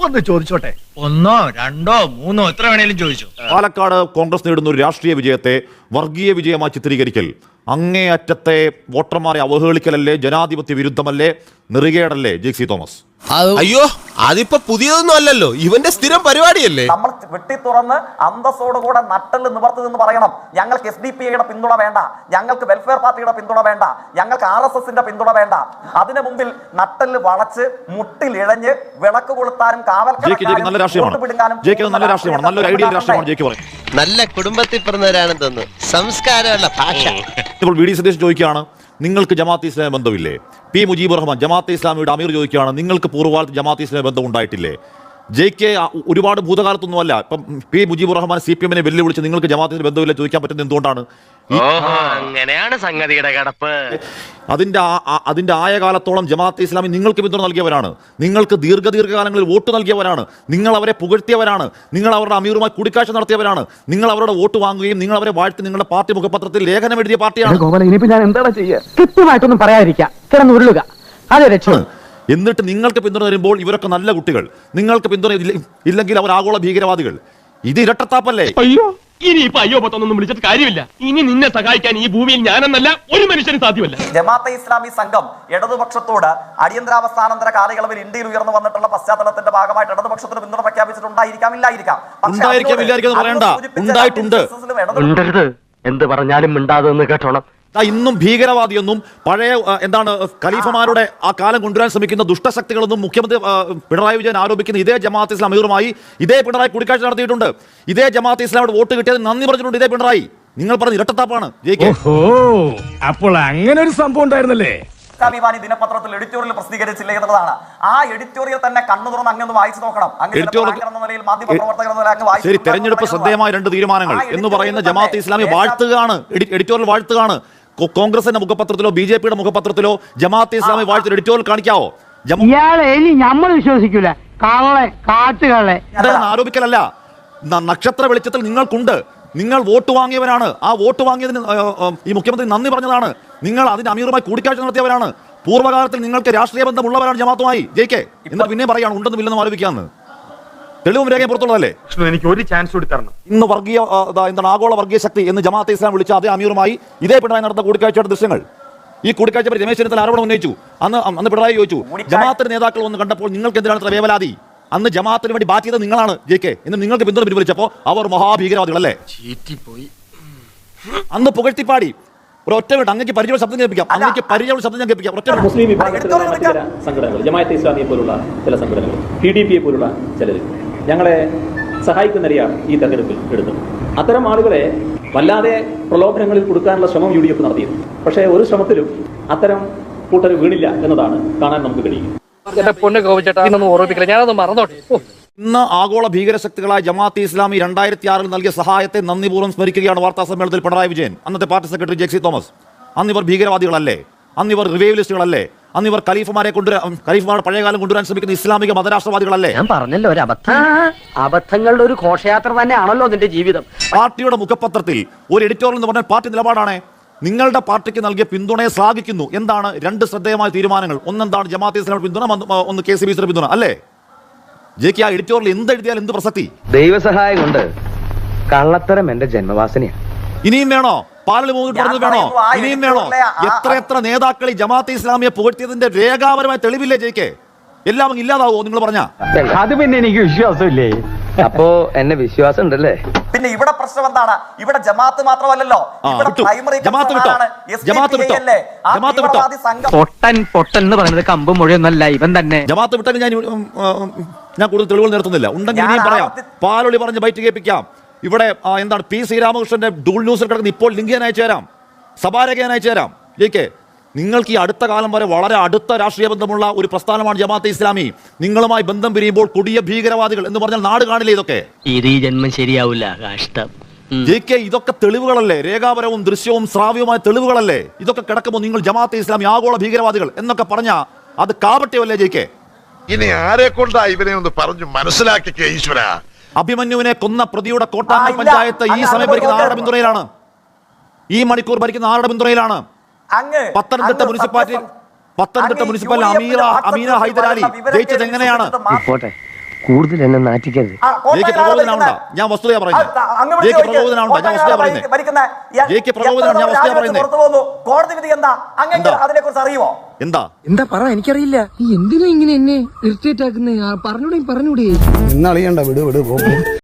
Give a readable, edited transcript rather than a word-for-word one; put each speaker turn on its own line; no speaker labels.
ഒന്ന് ചോദിച്ചോട്ടെ?
ഒന്നോ രണ്ടോ മൂന്നോ എത്ര വേണേലും ചോദിച്ചു.
പാലക്കാട് കോൺഗ്രസ് നേടുന്ന ഒരു രാഷ്ട്രീയ വിജയത്തെ വർഗീയ വിജയമായി ചിത്രീകരിക്കൽ അങ്ങേയറ്റത്തെ വോട്ടർമാരെ അവഹേളിക്കലല്ലേ, ജനാധിപത്യ വിരുദ്ധമല്ലേ, നെറുകേടല്ലേ ജെയ്സി തോമസ്?
അയ്യോ, അതിപ്പോ പുതിയതൊന്നും അല്ലല്ലോ, ഇവന്റെ സ്ഥിരം പരിപാടിയല്ലേ.
നമ്മൾ വെട്ടി തുറന്ന് അന്തസ്സോടുകൂടെ നട്ടല് നിവർത്തി നിന്ന് പറയണം, ഞങ്ങൾക്ക് SDPIയുടെ പിന്തുണ വേണ്ട, ഞങ്ങൾക്ക് വെൽഫെയർ പാർട്ടിയുടെ പിന്തുണ വേണ്ട, ഞങ്ങൾക്ക് RSSന്റെ പിന്തുണ വേണ്ട. അതിനു മുമ്പിൽ നട്ടല് വളച്ച് മുട്ടിലിഴഞ്ഞ് വിളക്ക് കൊളുത്താനും
നല്ല കുടുംബത്തിൽ പിറന്നവരാണെന്ന് തോന്നുന്നു, സംസ്കാരമുള്ള ഭാഷ.
ഇപ്പോൾ വി ഡി സതീശൻ ചോദിക്കുകയാണ്, നിങ്ങൾക്ക് ജമാഅത്ത് ഇസ്ലാമി ബന്ധമില്ലേ? പി മുജീബുർ റഹ്മാൻ ജമാഅത്തെ ഇസ്ലാമിയുടെ അമീർ ചോദിക്കുകയാണ്, നിങ്ങൾക്ക് പൂർവ്വകാലത്ത് ജമാഅത്ത് ഇസ്ലാമി ബന്ധം ഉണ്ടായിട്ടില്ലേ? JK ഒരുപാട് ഭൂതകാലത്തൊന്നുമല്ല, ഇപ്പം പി മുജീബുർ റഹ്മാൻ CPM-നെ വെല്ലുവിളിച്ച് നിങ്ങൾക്ക് ജമാഅത്തിന് ബന്ധമില്ല ചോദിക്കാൻ പറ്റുന്നത് എന്തുകൊണ്ടാണ്?
അങ്ങനെയാണ് സംഗതിയുടെ കിടപ്പ്.
അതിന്റെ ആയ കാലത്തോളം ജമാഅത്തെ ഇസ്ലാമി നിങ്ങൾക്ക് പിന്തുണ നൽകിയവരാണ്, നിങ്ങൾക്ക് ദീർഘകാലങ്ങളിൽ വോട്ട് നൽകിയവരാണ്, നിങ്ങൾ അവരെ പുകഴ്ത്തിയവരാണ്, നിങ്ങൾ അവരുടെ അമീറുമായി കൂടിക്കാഴ്ച നടത്തിയവരാണ്, നിങ്ങൾ അവരുടെ വോട്ട് വാങ്ങുകയും നിങ്ങൾ അവരെ വാഴ്ത്തി നിങ്ങളുടെ പാർട്ടി മുഖപത്രത്തിൽ ലേഖനം എഴുതിയ പാർട്ടിയാണ്.
ഞാൻ എന്താണ് ചെയ്യുക? കൃത്യമായിട്ടൊന്നും പറയാതിരിക്കുക, കിടന്നുരുളുക, അതെ രക്ഷ.
എന്നിട്ട് നിങ്ങൾക്ക് പിന്തുണ തരുമ്പോൾ ഇവരൊക്കെ നല്ല കുട്ടികൾ, നിങ്ങൾക്ക് പിന്തുണ ഇല്ലെങ്കിൽ അവർ ആഗോള ഭീകരവാദികൾ. ഇത് ഇരട്ടത്താപ്പല്ലേ?
അയ്യോ, ഇനി ഇപ്പൊ അയ്യോ പത്തൊന്നും വിളിച്ചിട്ട് കാര്യമില്ല. ഇനി നിന്നെ സഹായിക്കാൻ ഈ ഭൂമിയിൽ ഞാനെന്നല്ല ഒരു മനുഷ്യനും സാധ്യമല്ല.
ജമാഅത്തെ ഇസ്ലാമി സംഘം ഇടതുപക്ഷത്തോട് അടിയന്തരാവസ്ഥാനന്തര കാലയളവിൽ ഇന്ത്യയിൽ ഉയർന്നു വന്നിട്ടുള്ള പശ്ചാത്തലത്തിന്റെ ഭാഗമായിട്ട് ഇടതുപക്ഷത്തിന് പിന്തുണ പ്രഖ്യാപിച്ചിട്ടുണ്ടായിരിക്കാം, ഇല്ലായിരിക്കാം.
എന്ത് പറഞ്ഞാലും മിണ്ടാതെന്ന് കേട്ടോണം.
ഇന്നും ഭീകരവാദിയൊന്നും പഴയ എന്താണ് ഖലീഫമാരുടെ ആ കാലം കൊണ്ടുവരാൻ ശ്രമിക്കുന്ന ദുഷ്ടശക്തികളൊന്നും മുഖ്യമന്ത്രി പിണറായി വിജയൻ ആരോപിക്കുന്ന ഇതേ ജമാഅത്ത് ഇസ്ലാം അമീറുമായി ഇതേ പിണറായി കൂടിക്കാഴ്ച നടത്തിയിട്ടുണ്ട്. ഇതേ ജമാഅത്ത് ഇസ്ലാമിയുടെ വോട്ട് കിട്ടിയത് നന്ദി പറഞ്ഞിട്ടുണ്ട് ഇതേ പിണറായി. നിങ്ങൾ പറഞ്ഞ ഇരട്ടത്താപ്പാണ്.
അപ്പോൾ അങ്ങനെ ഒരു സംഭവം ഉണ്ടായിരുന്നല്ലേ?
ഇസ്ലാമിവാനി ദിനപത്രത്തിൽ എഡിറ്റോറിയൽ പ്രസിദ്ധീകരിച്ചില്ല എന്നുള്ളതാണ്. ആ എഡിറ്റോറിയൽ തന്നെ കണ്ണു തുറന്ന് അങ്ങനെ വായിച്ചു നോക്കണം.
ശരി, തെരഞ്ഞെടുപ്പ് ശ്രദ്ധേയമായ 2 തീരുമാനങ്ങൾ എന്ന് പറയുന്ന ജമാഅത്തെ ഇസ്ലാമി വാഴ്ത്തുകയാണ്, എഡിറ്റോറിയൽ വാഴ്ത്തുകയാണ്. കോൺഗ്രസിന്റെ മുഖപത്രത്തിലോ BJPയുടെ മുഖപത്രത്തിലോ ജമാഅത്തെ ഇസ്ലാമി വാഴ്ത്ത എഡിറ്റോറിയൽ കാണിക്കാവോ?
നമ്മൾ വിശ്വസിക്കൂല,
ആരോപിക്കലല്ല, നക്ഷത്ര വെളിച്ചത്തിൽ നിങ്ങൾക്കുണ്ട്. നിങ്ങൾ വോട്ട് വാങ്ങിയവരാണ്. ആ വോട്ട് വാങ്ങിയതിന് ഈ മുഖ്യമന്ത്രി നന്ദി പറഞ്ഞതാണ്. നിങ്ങൾ അതിന് അമീറുമായി കൂടിക്കാഴ്ച നടത്തിയവരാണ്. പൂർവ്വകാലത്തിൽ നിങ്ങൾക്ക് രാഷ്ട്രീയ ബന്ധമുള്ളവരാണ് ജമാഅത്തുമായി. JK എന്നിട്ട് പിന്നെ പറയാണ് ഉണ്ടെന്നും ഇല്ലെന്നും ആരോപിക്കാന്ന്. തെളിവും രേഖയും പുറത്തുള്ളതല്ലേ?
എനിക്ക് ഒരു ചാൻസ് കൂടി തരണം.
ഇന്ന് വർഗീയ എന്താണ് ആഗോള വർഗീയ ശക്തി എന്ന് ജമാഅത്തെ ഇസ്ലാം വിളിച്ച അതേ അമീറുമായി ഇതേ പിണറായി നടന്ന കൂടിക്കാഴ്ചയുടെ ദൃശ്യങ്ങൾ. ഈ കൂടിക്കാഴ്ച രമേശ് ചെന്നിത്തല ആരോപണം ഉന്നയിച്ചു. അന്ന് പിണറായി ചോദിച്ചു, ജമാഅത്തിന്റെ നേതാക്കൾ ഒന്ന് കണ്ടപ്പോൾ നിങ്ങൾക്ക് എന്തിനാണ് ഇത്ര വേവലാതി? അന്ന് ജമാഅത്തിന് വേണ്ടി ബാറ്റ് ചെയ്തത് നിങ്ങളാണ് JK എന്ന് നിങ്ങൾക്ക് പിന്തുണ പിൻവലിച്ചപ്പോൾ അവർ മഹാഭീകരവാദികളല്ലേ? അന്ന് പുകഴ്ത്തിപ്പാടി ഒരൊറ്റ മിനിറ്റ് അങ്ങേക്ക് പരിചയ ശബ്ദം കേൾപ്പിക്കാം. അങ്ങേക്ക് പരിചയ ശബ്ദം ഞാൻ കേൾപ്പിക്കാം. ഒറ്റ
മുസ്ലിം വിഭാഗത്തിലുള്ള മറ്റു ചില സംഘടനകൾ, ജമാഅത്തെ ഇസ്ലാമിയെ പോലുള്ള ചില സംഘടനകൾ, PDPയെ പോലുള്ള ചിലർ ഞങ്ങളെ സഹായിക്കുന്ന നിലയാണ് ഈ തെരഞ്ഞെടുപ്പിൽ എടുത്തത്. അത്തരം ആളുകളെ വല്ലാതെ പ്രലോഭനങ്ങളിൽ കൊടുക്കാനുള്ള ശ്രമം UDF നടത്തിയിരുന്നു. പക്ഷേ ഒരു ശ്രമത്തിലും അത്തരം കൂട്ടർ വീണില്ല എന്നതാണ് കാണാൻ നമുക്ക് കഴിയും.
ഇന്ന് ആഗോള ഭീകരശക്തികളായ ജമാഅത്തെ ഇസ്ലാമി 2006 നൽകിയ സഹായത്തെ നന്ദിപൂർവ്വം സ്മരിക്കുകയാണ് വാർത്താ സമ്മേളനത്തിൽ പിണറായി വിജയൻ. അന്നത്തെ പാർട്ടി സെക്രട്ടറി ജെയ്സി തോമസ്, അന്നിവർ ഭീകരവാദികളല്ലേ? അന്നിവർ റിവൈവലിസ്റ്റുകളല്ലേ? അന്നിവർ ഖലീഫമാരുടെ പഴയകാലം കൊണ്ടുവരാൻ ശ്രമിക്കുന്ന ഇസ്ലാമിക മതരാഷ്ട്രവാദികളല്ലേ?
ഞാൻ പറഞ്ഞല്ലോ, ഒരു അബദ്ധങ്ങളുടെ ഒരു ഘോഷയാത്ര തന്നെയാണല്ലോ നിന്റെ ജീവിതം.
പാർട്ടിയുടെ മുഖപത്രത്തിൽ ഒരു എഡിറ്റോറിയൽ എന്ന് പറഞ്ഞാൽ പാർട്ടി നിലപാടാണ്. നിങ്ങളുടെ പാർട്ടിക്ക് നൽകിയ പിന്തുണയെ ശ്ലാഘിക്കുന്നു. എന്താണ് 2 ശ്രദ്ധേയമായ തീരുമാനങ്ങൾ? ഒന്നെന്താണ് ജമാഅത്തെ ഇസ്ലാമിയുടെ പിന്തുണ, ഒന്ന് KCBCയുടെ പിന്തുണ അല്ലേ? JK ആ എഡിറ്റോറിയൽ എന്തെഴുതിയാൽ എന്ത് പ്രസക്തി?
ദൈവസഹായം കൊണ്ട് കള്ളത്തരം എന്റെ ജന്മവാസനയാണ്.
ഇനിയും വേണോ? പാലിൽ മൂന്നിട്ട് പറഞ്ഞത് വേണോ? ഇനിയും വേണോ? എത്ര നേതാക്കൾ ഈ ജമാഅത്തെ ഇസ്ലാമിയെ പുകഴ്ത്തിയതിന്റെ രേഖാപരമായ തെളിവില്ലേ JK? എല്ലാം ഇല്ലാതാവോ നിങ്ങൾ പറഞ്ഞ?
അത് പിന്നെ എനിക്ക് വിശ്വാസമില്ലേ. അപ്പോ എന്നെ വിശ്വാസം ഉണ്ടല്ലേ?
പിന്നെ ഇവിടെ പ്രശ്നം എന്താണ്? ഇവിടെ ജമാഅത്ത് മാത്രമല്ലല്ലോ,
പൊട്ടൻ എന്ന് പറയുന്നത് കമ്പ് മൊഴിയൊന്നല്ല, ഇവൻ തന്നെ.
ജമാഅത്ത് വിട്ടെങ്കിൽ ഞാൻ കൂടുതൽ തെളിവുകൾ നിർത്തുന്നില്ല. ഉണ്ടെങ്കിൽ ഇനിയും പറയാം. പാലൊളി പറഞ്ഞ് ബൈറ്റ് കേൾപ്പിക്കാം. ഇവിടെ എന്താണ് P ശ്രീരാമകൃഷ്ണന്റെ ഡൂൾ ന്യൂസിൽ കിടക്കുന്ന ഇപ്പോൾ ലിങ്ക് ഞാൻ അയച്ചു തരാം, സഭാരേഖ ഞാൻ അയച്ചു തരാം. JK നിങ്ങൾക്ക് ഈ അടുത്ത കാലം വരെ വളരെ അടുത്ത രാഷ്ട്രീയ ബന്ധമുള്ള ഒരു പ്രസ്ഥാനമാണ് ജമാഅത്തെ ഇസ്ലാമി. നിങ്ങളുമായി ബന്ധം പിരിയുമ്പോൾ കൊടിയ ഭീകരവാദികൾ എന്ന് പറഞ്ഞാൽ നാട് കാണില്ലേ? ഇതൊക്കെ
ഈ ജന്മം ശരിയാവില്ല. കഷ്ടം.
JK ഇതൊക്കെ തെളിവുകളല്ലേ? രേഖാപരവും ദൃശ്യവും ശ്രാവ്യവുമായ തെളിവുകളല്ലേ? ഇതൊക്കെ കിടക്കുമ്പോൾ നിങ്ങൾ ജമാഅത്തെ ഇസ്ലാമി ആഗോള ഭീകരവാദികൾ എന്നൊക്കെ പറഞ്ഞ അത് കാപട്യമല്ലേ JK?
ഇനി ആരെ കൊണ്ടാ ഇവനെ ഒന്ന് പറഞ്ഞു മനസ്സിലാക്കിക്കേ ഈശ്വര.
അഭിമന്യുവിനെ കൊന്ന പ്രതിയുടെ കോട്ടാങ്ങൽ പഞ്ചായത്ത് ഈ സമയം ഭരിക്കുന്ന ആരുടെ പിന്തുണയിലാണ്? ഈ മണിക്കൂർ ഭരിക്കുന്ന ആരുടെ പിന്തുണയിലാണ്? പത്തനംതിട്ട മുനിസിപ്പാലിറ്റി അമീന ഹൈദരാലി ജയിച്ചത് എങ്ങനെയാണ്?
കൂടുതൽ എന്നെ നാറ്റിക്കരുത്.
ആ, കോട്ടയം
ജയിക്ക്
ആരാ
പ്രകോപനമുണ്ടോ?
ഭരിക്കുന്നത്?
ഞാൻ വസ്തുതയാ പറയുന്നത്.
അങ്ങ് വിളിച്ച്
ജയിക്ക്
ചോദിക്ക്.
പ്രകോപനമുണ്ടോ? ഞാൻ വസ്തുതയാ
കോട്ടയം
പറയുന്നത്.
ഭരിക്കുന്ന
ജയിക്ക് പ്രകോപനമാണ്, ഞാൻ വസ്തുതയാ പറയുന്നത്.
പുറത്തു പോകുന്നു. കോടതി വിധി എന്താ? അങ്ങനെ
എന്താ?
അതിനെ കുറിച്ച് അറിയുമോ?
എന്താ
എന്താ പറ, എനിക്കറിയില്ല. എന്തിനാ ഇങ്ങനെ എന്നെ ഇറിറ്റേറ്റ് ആക്കുന്നേ? പറഞ്ഞൂടെ.
എന്നാളിയണ്ട വിട്